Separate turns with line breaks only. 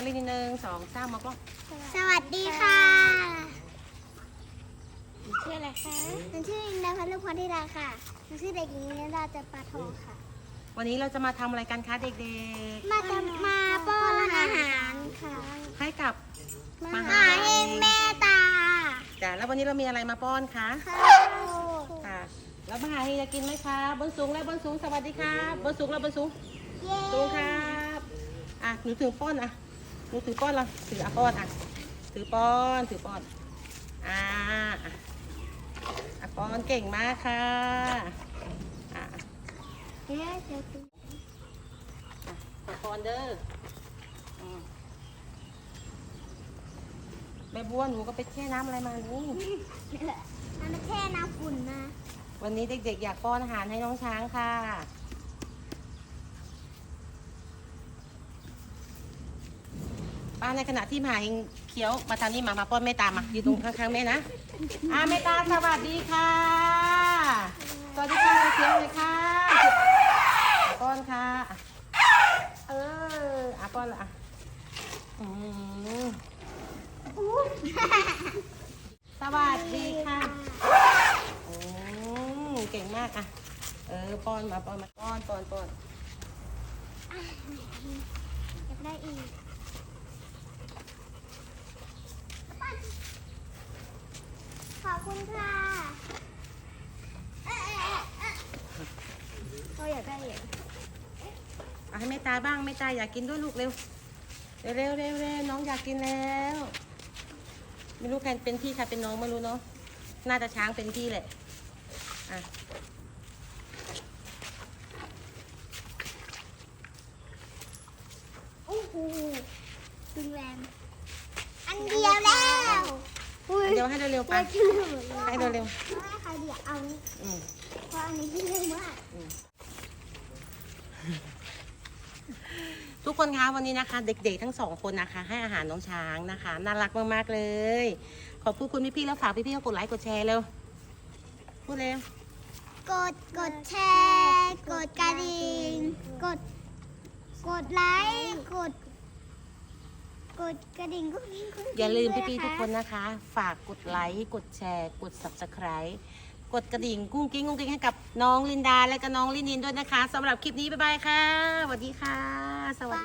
ลิน1 2 3มากล้อง
สวัสดีค่ะ
ชื่ออะไรคะ
หนูชื่ออินดาพันลูกพรธิดาค่ะหนูชื่อเด็กหญิงนิดาจันปาทองค่ะ
วันนี้เราจะมาทำอะไรกันคะเด็ก
มาป้อนอาหารค่ะ
ๆ ให้กับ
มหาเฮงแม่ตา
จ้ะแล้ววันนี้เรามีอะไรมาป้อนคะ
ข้าว
ค่ะแล้วมหาเฮงจะกินไหมคะบนสูงและบนสูงสวัสดีครับบนสูงและบนสูง
เย้
สูงครับอ่ะหนูถือป้อนอ่ะหนูถือป้อนเราถืออ่ะป้อนอ่ะถือป้อนอ่ะอ่ะป้อนเก่งมากค่ะอ่ะ
เย้เดี๋ยวดู
ขอป้อนเด้อแม่บัวหนูก็ไปแช่น้ำอะไรมานี่
มันมาแช่น้ำฝุ่นมา
วันนี้เด็กๆอยากป้อนอาหารให้น้องช้างค่ะป้าในขณะที่หมาเองเคี้ยวมาทางนี้มาป้อนแม่ตามมาอยู่ตรงข้างๆแม่นะแม่ตาสวัสดีค่ะสวัสดีค่ะเคี้ยวเลยค่ะป้อนค่ะป้อนละสวัสดีค่ะเก่งมากป้อนมาป้อน
อยากได้อีกขอบคุณค่ะเราอยากได้อีก
ให้แม่ตาบ้างแม่ตาอยากกินด้วยลูกเร็วน้องอยากกินแล้วไม่รู้ใครเป็นพี่ใครเป็นน้องไม่รู้เนาะน่าจะช้างเป็นพี่แหละ
โอ้โหดึงแรงอันเดียวแล้ว
เดี๋ยวให้เร็วๆไปให้เร็ว
ไม่ใครเดียวเอานี้
ๆ
เพราะอันนี้ที่เร็วมาก
ทุกคนคะวันนี้นะคะ เด็กๆทั้ง2 คนนะคะให้อาหารน้องช้างนะคะน่ารักมากๆเลยขอบคุณพี่ๆแล้วฝากพี่ๆกดไลค์กดแชร์เร็วพูดเร็ว
กดแชร์กดกระดิ่งกดไลค์กดกระดิ่งก็มี
อย่าลืมพี่ๆทุกคนนะคะ ฝากกดไลค์กดแชร์กด Subscribe กดกระดิ่งกุ้งกิ้งให้กับน้องลินดาและก็น้องลินินด้วยนะคะสำหรับคลิปนี้บ๊ายบายค่ะสวัสดีค่ะสวัสดี